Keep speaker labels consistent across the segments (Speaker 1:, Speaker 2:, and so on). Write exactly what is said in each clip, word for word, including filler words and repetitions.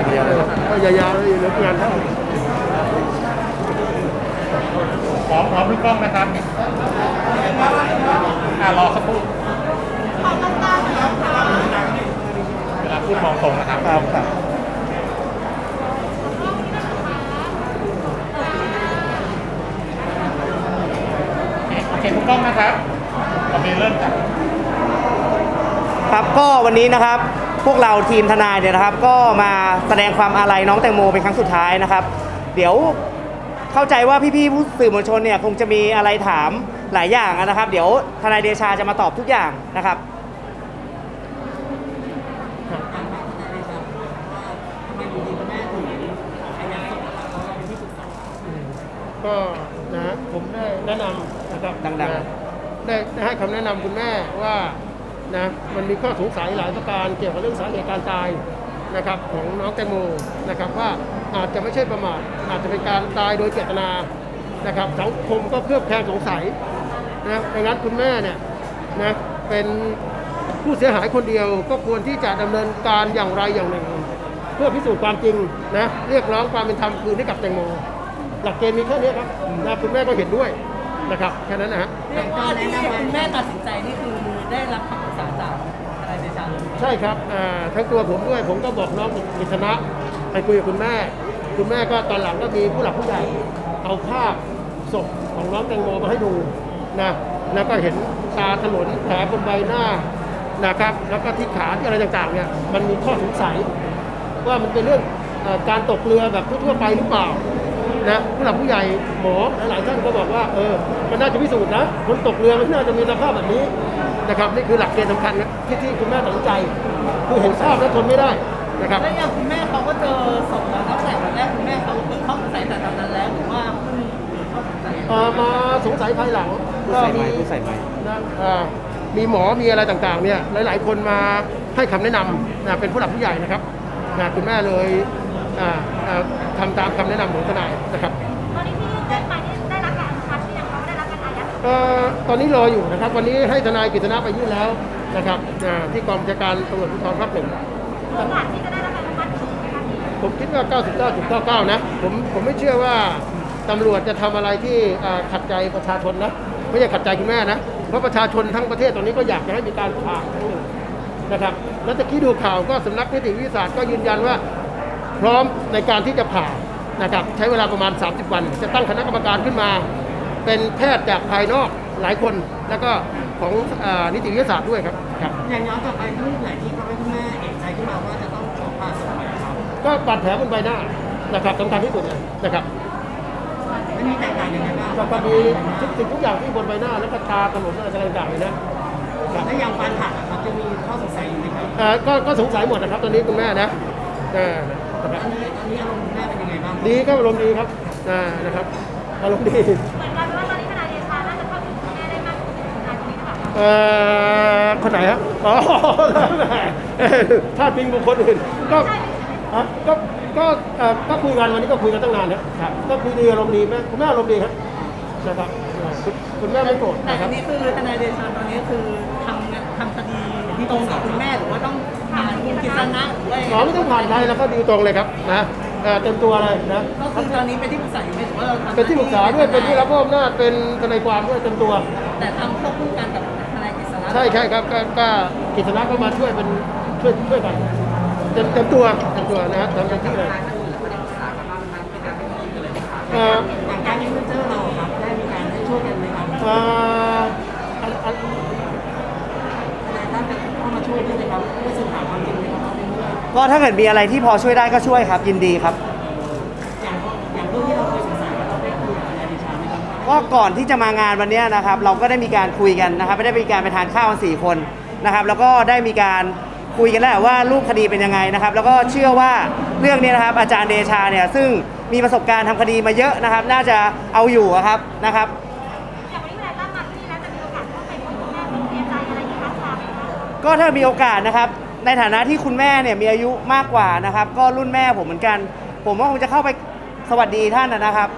Speaker 1: เดียวเลยก็ยาวๆเลยเหลืองานเท่า
Speaker 2: พร้อมพร้อมทุกกล้องนะครับอ่ารอสักครู่เวลาพูดมองตรงนะครับ
Speaker 1: ครับครับ
Speaker 2: โอเคทุกกล้องนะครับเรามีเริ่มจาก
Speaker 3: ครับก็วันนี้นะครับพวกเราทีมทนายเนี่ยนะครับก็มาแสดงความอาลัยน้องแตงโมเป็นครั้งสุดท้ายนะครับเดี๋ยวเข้าใจว่าพี่ๆผู้สื่อมวลชนเนี่ยคงจะมีอะไรถามหลายอย่างนะครับเดี๋ยวทนายเดชาจะมาตอบทุกอย่างนะครับ
Speaker 1: ก็นะผมได้แนะนำนะครับ
Speaker 3: ดังๆ
Speaker 1: ได้ได้ให้คำแนะนำคุณแม่ว่านะมันมีข้อสงสัยหลายประการเกี่ยวกับเรื่องสาเหตุการตายนะครับของน้องแตงโมนะครับว่าอาจจะไม่ใช่ประมาทอาจจะเป็นการตายโดยเจตนานะครับสังคมก็เคลือบแคลงสงสัยนะดังนั้นคุณแม่เนี่ยนะเป็นผู้เสียหายคนเดียวก็ควรที่จะดำเนินการอย่างไรอย่างหนึ่งเพื่อพิสูจน์ความจริงนะเรียกร้องความเป็นธรรมคืนให้กับแตงโมหลักเกณฑ์มีแค่นี้ครับนะคุณแม่ก็เห็นด้วยนะครับแค่นั้นนะฮะ
Speaker 4: ก็ที่คุณแม่ตัดสินใจนี่คือได้รับคำปรึกษาจากทนายเดชาเลย
Speaker 1: ใช่ครับทั้งตัวผมด้วยผมก็บอกน้องกิษณะไปคุยกับคุณแม่คุณแม่ก็ตอนหลังก็มีผู้หลักผู้ใหญ่เอาภาพศพของน้องแตงโมมาให้ดูนะแล้วก็เห็นตาถลนแผลบนใบหน้านะครับแล้วก็ที่ขาที่อะไรต่างๆเนี่ยมันมีข้อสงสัยว่ามันเป็นเรื่องการตกเรือแบบทั่วไปหรือเปล่านะผู้หลักผู้ใหญ่หมอหลายๆท่านก็บอกว่าเออมันน่าจะพิสูจน์นะคนตกเรือมันน่าจะมีสภาพแบบนี้นะครับนี่คือหลักเกณฑ์สำคัญนะที่ที่คุณแม่ตัดสินใจคือเห็นภาพแล้วทนไม่ได้นะครับ
Speaker 4: แล้วอย่างคุณแม่เขาก็เจอศพแล้วตั้งแต่วันแรกคุณแม่เขาเกิดข้อสงสัยแต่ตอนนั้นแล้วหรือว่าเพิ่งเข้าสงสัย
Speaker 1: มาสงสัยภายหลัง
Speaker 3: ก็มีผู้ใส่ไม้
Speaker 1: มีหมอมีอะไรต่างๆเนี่ยหลายๆคนมาให้คำแนะนำนะเป็นผู้หลักผู้ใหญ่นะครับนะคุณแม่เลยทำตามคำแนะนำของทนายนะครับ
Speaker 5: ตอนนี้ที่ยื่นเรื่องไปนี่ได้รับการอนุมัติหรือยังเขาได้รับการอายัด
Speaker 1: ตอนนี้รออยู่นะครับวันนี้ให้ทนายกฤษณะไปยื่นแล้วนะครับที่กองบัญชาการตำรวจภูธรภาคหนึ่ง
Speaker 5: โอกาสที่จะได้รับการอนุมัติ
Speaker 1: ผมคิดว่า เก้าสิบเก้าจุดเก้าเก้า นะผมผมไม่เชื่อว่าตำรวจจะทำอะไรที่ขัดใจประชาชนนะไม่ใช่ขัดใจคุณแม่นะเพราะประชาชนทั้งประเทศตอนนี้ก็อยากจะให้มีการผ่าทั้งหนึ่งนะครับแล้วตะกี้ดูข่าวก็สำนักนิติวิทยาศาสตร์ก็ยืนยันว่าพร้อมในการที่จะผ่านะครับใช้เวลาประมาณสามสิบวันจะตั้งคณะกรรมการขึ้นมาเป็นแพทย์จากภายนอกหลายคนแล้วก็ของนิติวิทยาศาสตร์ด้วยครับครับ
Speaker 4: อย่างย้อนกลับไปเรื่องไหนที่ทำให้คุณแม่เอกใจขึ้นมาว่าจะต้องขอผ่าศพครับ
Speaker 1: ก็บาดแผลบนใบหน้านะครับสำคัญที่สุดเลยนะครับ
Speaker 4: มันมีแตกต่างยังไงบ้าง
Speaker 1: ก็มีทุกสิ่งทุกอย่างที่บนใบหน้าแล้วก็ตาถลนอะไรต่างๆเลยนะ
Speaker 4: แล้วอย่างการผ่าครับจะมีข้อสงสัยอยู่ไหมครับ
Speaker 1: ก็ก็สงสัยหมดนะครับตอนนี้คุณแม่นะ
Speaker 4: ตอนนี้ตอนนี้อารมณ์คุณแม่เป็นยังไงบ้าง
Speaker 1: ดีครับอารมณ์ดีครับนะครับอารมณ์ดี
Speaker 5: เหมือนกันว่าตอนนี้ทนายเดชาน่าจะเข้าถึงคุณแม่ได้มากขึ้นทนายคนนี้หรือเปล่า
Speaker 1: เอ่อคนไหนครับอ๋อถ้าพิงบุคคลอื่นก็ก็ก็ก็คุยกันวันนี้ก็คุยกันตั้งนานนะครับก็คุยดีอารมณ์ดีแม่คุณแม่อารมณ์ดีครับนะครับคุณแม่ไม่โกรธ
Speaker 4: แต่อันนี้คือทนายเดชาตอนนี้คือทำทำคดีตรงกับคุณแม่หรือว่าต้องผ่านคุณกิษณะหรือว่า
Speaker 1: อ๋อไม่ต้องผ่านใครแล้วก็ดีตรงเลยครับนะเต็มตัวเลยนะ
Speaker 4: ก็คือตอนนี้เป็นที่ปรึกษาอยู่ไหมหรือว่าเราทำ
Speaker 1: เป็นที่ปรึกษาด้วยเป็นผู้รับมอบอำนาจเป็นทนายความด้วยเต็มตัว
Speaker 4: แต่ทำควบคู่กันกับทนายกิษณะ
Speaker 1: ใช่ใช่ครับก็กิษณะก็มาช่วยเป็นช่วยช่วยกันเต็มเต็มตัวเต็มตัวนะทำเต็มที่เลย
Speaker 4: อย่างการยื่นเจอเราครับได้มีการช่วยกันไหมครับ
Speaker 1: อ่า
Speaker 4: ทนายท่านเข้ามาช่วยด้วยนะครับเพื่อสืบหาความจริงนะครับ
Speaker 3: ก็ถ้าเกิดมีอะไรที่พอช่วยได้ก็ช่วยครับยินดีครับ
Speaker 4: อย่างอย่างเรื่องที่เราเคยสงสัยเราได้คุยกับทนายเดชาไหมครับ
Speaker 3: ก็ก่อนที่จะมางานวันนี้นะครับเราก็ได้มีการคุยกันนะครับไม่ได้มีการไปทานข้าวกันสี่คนนะครับแล้วก็ได้มีการคุยกันแล้วว่ารูปคดีเป็นยังไงนะครับแล้วก็เชื่อว่าเรื่องนี้นะครับอาจารย์เดชาเนี่ยซึ่งมีประสบการณ์ทำคดีมาเยอะนะครับน่าจะเอาอยู่ครับนะครับ
Speaker 5: อย่างวันนี้ทนายตั้มมาที่นี่แล้วจะมีโอกาสเข้าไปพบคุณแม่เป็นเสียใจอะไรอย่างนี้คะ
Speaker 3: ก็ถ้ามีโอกาสนะครับในฐานะที่คุณแม่เนี่ยมีอายุมากกว่านะครับก็รุ่นแม่ผมเหมือนกันผมก็คงจะเข้าไปสวัสดีท่านนะครับ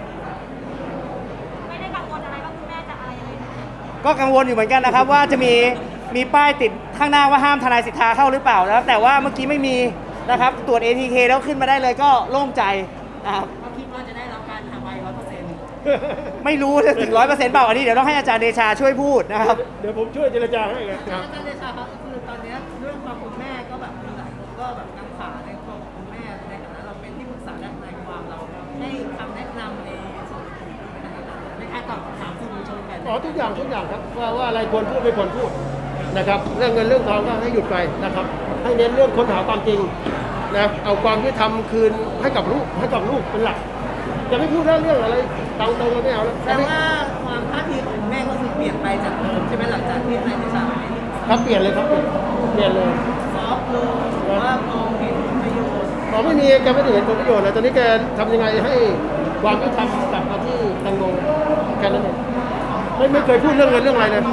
Speaker 5: ไม่ได้กังวลอะไรว่าคุณแม่จะอะไรยังไง
Speaker 3: ก็กังวลอยู่เหมือนกันนะครับว่าจะมีมีป้ายติดข้างหน้าว่าห้ามทนายสิทธาเข้าหรือเปล่าแล้วแต่ว่าเมื่อกี้ไม่มีนะครับตรวจ เอ ที เค แล้วขึ้นมาได้เลยก็โล่งใจนะครับ
Speaker 4: ก็คิดว่าจะได้รับการทำไว้ร้อยเปอร์เซ็นต์
Speaker 3: ไม่รู้จะถึงร้อยเปอร์เซ็นต์เปล่าอันนี้เดี๋ยวต้องให้อาจารย์เดชาช่วยพูดนะครับ
Speaker 1: เดี๋ยวผมช่วยเจรจาให้ไงครับ
Speaker 4: อาจารย์เดชาครับคือตอนเนี้ยเรื่องความคุณแม่ก็แบบมีหลายคนก็แบบกังขาในความคุณแม่ในฐานะเราเป็นที่ปรึกษาด้านทนายความเราให้คำแนะนำในส่วนของในการตอบคำถามสื่อมวลชนกัน
Speaker 1: อ๋อทุกอย่างทุกอย่างครับว่าว่าอะไรควรพูดไม่ควรพูดนะครับเรื่องเงินเรื่องทองก็ให้หยุดไปนะครับให้เน้นเรื่องค้นหาความจริงนะเอาความยุติธรรมคืนให้กับลูกให้กับลูกเป็นหลักจะไม่พูดเรื่องเรื่องอะไรตรงตรงๆเราไม่เอาแล้ว
Speaker 4: แต่ว่าความท่าทีของคุณแม่ก็คือเปลี่ยนไปจากเดิมใช่ไหมหลังจากที่นายเดชาไปเป็นที่ปรึกษา
Speaker 1: ครับเปลี่ยนเลยครับเปลี่ยนเปลี่ยนเลย
Speaker 4: ซอฟต์ลงหรือว่ามองเห็นประโยชน์
Speaker 1: ขอไม่มีแกไม่ได้เห็นผลประโยชน์เลยตอนนี้แกทำยังไงให้ความยุติธรรมกลับมาที่แตงโมแค่นั้นเองไม่ไม่เคยพูดเรื่องเงินเรื่องอะไรเลย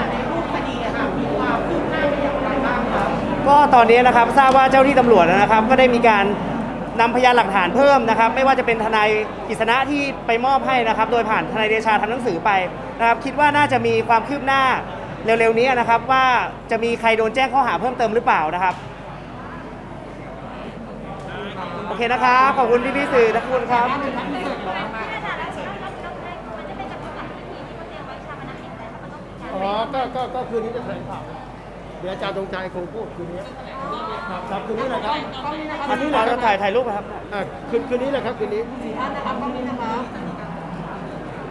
Speaker 3: ก็ตอนนี้นะครับทราบว่าเจ้าที่ตำรวจนะครับ ก็ได้มีการนำพยานหลักฐานเพิ่มนะครับ ไม่ว่าจะเป็นทนายกฤษณะที่ไปมอบให้นะครับ โดยผ่านทนายเดชาทำหนังสือไปนะครับ คิดว่าน่าจะมีความคืบหน้าเร็วๆนี้นะครับ ว่าจะมีใครโดนแจ้งข้อหาเพิ่มเติมหรือเปล่านะครับโอเคนะครับขอบคุณพี่ๆสื่อทุกคนครับ
Speaker 5: ที่อาจารย์แล้วเราเราเรามันจะเป็นจำนวนหลักนาทีที่เขาเตรียมไว้ชาปนกิจแต่ถ้ามันต้องมีการ
Speaker 1: อ๋อก็ก็ก็คืนนี้จะแถลงข่าวเดี๋ยวอาจารย์ตรงใจคงพูดคืนนี้ครับครับคืนนี้แหละครับคืนนี้แหละค
Speaker 3: เรา
Speaker 1: รับ
Speaker 3: ถ่ายถ่ายรูปนะครับ
Speaker 1: อ่ะคืนคืนนี้แหละครับคืนนี้
Speaker 4: สี่ท่านนะครับตรงนี้นะครับ